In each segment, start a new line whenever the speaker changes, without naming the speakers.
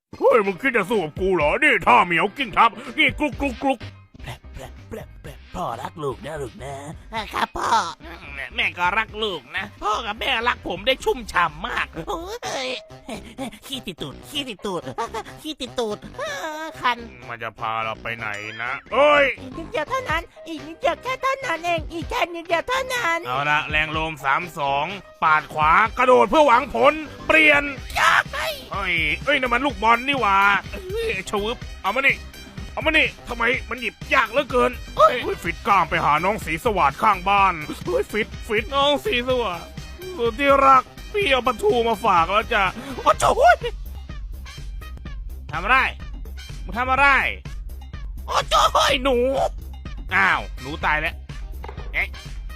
เฮ้ยมึงคิดจะสู้กับกูเหรอนี่ท่าเหมียวกิ้งทับนี่กลุกกลุกกลุก
พ่อรักลูกนะลูกนะครับพ่อแม่ก็รักลูกนะพ่อกับแม่รักผมได้ชุ่มฉ่ำมากโอ้ยขี้ติดตูดขี้ติดตูดขี้ติดตูดคัน
มันจะพาเราไปไหนนะเอ้ย
อีกนิดเดียวเท่านั้นอีกนิดเดียวแค่เท่านั้นเองอีกแค่นิดเดียวเท่านั้น
เอาละแรงลม3-2ปาดขวากระโดดเพื่อหวังผลเปลี่ยน
ยากไป
เฮ้ยนั่นมันลูกบอลนี่หว่าเฮ้ยชวึบเอามานี่ทำไมมันหยิบยากเหลือเกินเฮ้ยฟิตกล้ามไปหาน้องสีสวัสดิ์ข้างบ้านเฮ้ยฟิตน้องสีสวัสดิ์สุดที่รักพี่เอาปลาทูมาฝากแล้วจ้ะโอ้โหทำอะไรมึงทำอะไรโอ้โหหนูอ้าวหนูตายแล้วไอ้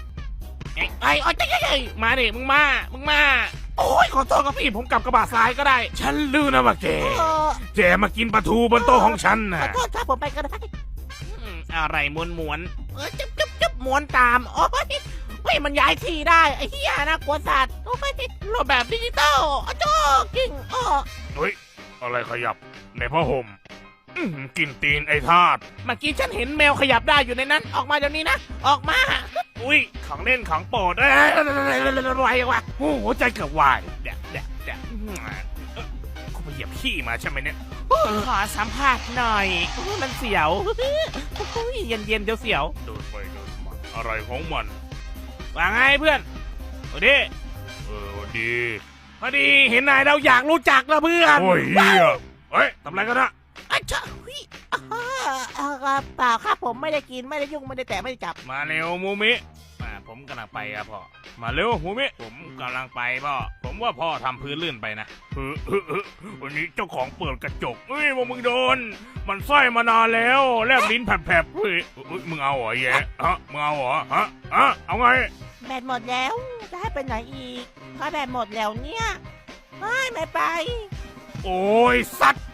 มาดิมึงมาโอ้ยขอโทษครับพี่ผมกลับกระบะซ้ายก็ได้ฉันลืมนะว่าแกมากินปลาทูบนโต๊ะของฉัน
ข
นะ
อโทษครับผมไปก็ได้อะไรม้วนจุ๊บม้วนตามโอ้ยเฮ้ยมันย้ายทีได้ไอ้เหี้ยนะกลัวสัตว์โอ้ยรูปแบบดิจิตอลอ้โจ้กิ้งอ้อ
เฮ้ยอะไรขยับในผ้าห่มกินตีนไอ้ทาส
เมื่อกี้ฉันเห็นแมวขยับได้อยู่ในนั้นออกมาเดี๋ยวนี้นะออกมา
อุ้ยของเล่นของโปรด
ไวว่ะ
โอ้โหใจเกือบวายเดี๋ยวกูไปเหยียบขี้มาใช่ไหมเนี่ย
ขอสัมภาษณ์หน่อยมันเสียวเย็นเดี๋ยวเสียว
เดินไปเดินมาอะไรของมันว่าไงเพื่อนสวัสดีดีพอดีเห็นนายเราอยากรู้จักละเพื่อนโอ้ยเฮ้ยทำอะไรกันนะ
อ้าวเจ้าเปล่าครับผมไม่ได้กินไม่ได้ยุ่งไม่ได้แตะไม่ได้จับ
มาเร็วมูมิผมกำลังไปครับพ่อมาเร็วมูมิผมกำลังไปพ่อผมว่าพ่อทำพื้นลื่นไปนะวันนี้เจ้าของเปิดกระจกเฮ้ยมึงโดนมันไส้มานานแล้วแลบลิ้นแผลบๆเฮ้ยมึงเอาเหรอแย่มึงเอาเหรอเอาไง
แบตหมดแล้วจะให้ไปไหนอีกถ้าแบตหมดแล้วเนี่ยไม่ไป
โอ้ยสัตว์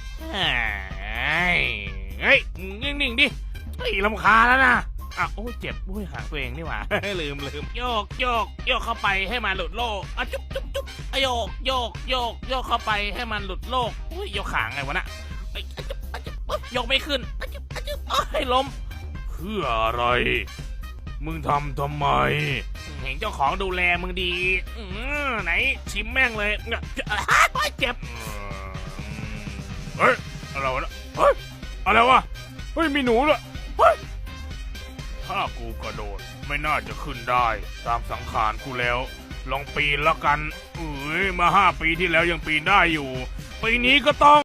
เฮ้ยนิ่งๆดิเฮ้ยรำคาญแล้วนะโอ้ยเจ็บโอ้ยหางตัวเองนี่หว่า ลืมโยกเข้าไปให้มันหลุดโลกจุ๊บโยกเข้าไปให้มันหลุดโลกอุ้ยโยกขางไงวะน่ะยกไม่ขึ้นให้ล้มเพื่ออะไรมึงทำไมเห็นเจ้าของดูแลมึงดีไหนชิมแม่งเลยเจ็บเฮ้ยอะไรวะเฮ้ยอะไรวะเฮ้ยมีหนูด้วยเฮ้ยถ้ากูกระโดดไม่น่าจะขึ้นได้ตามสังขารกูแล้วลองปีนแล้วกันมา5 ปีที่แล้วยังปีนได้อยู่ปีนี้ก็ต้อง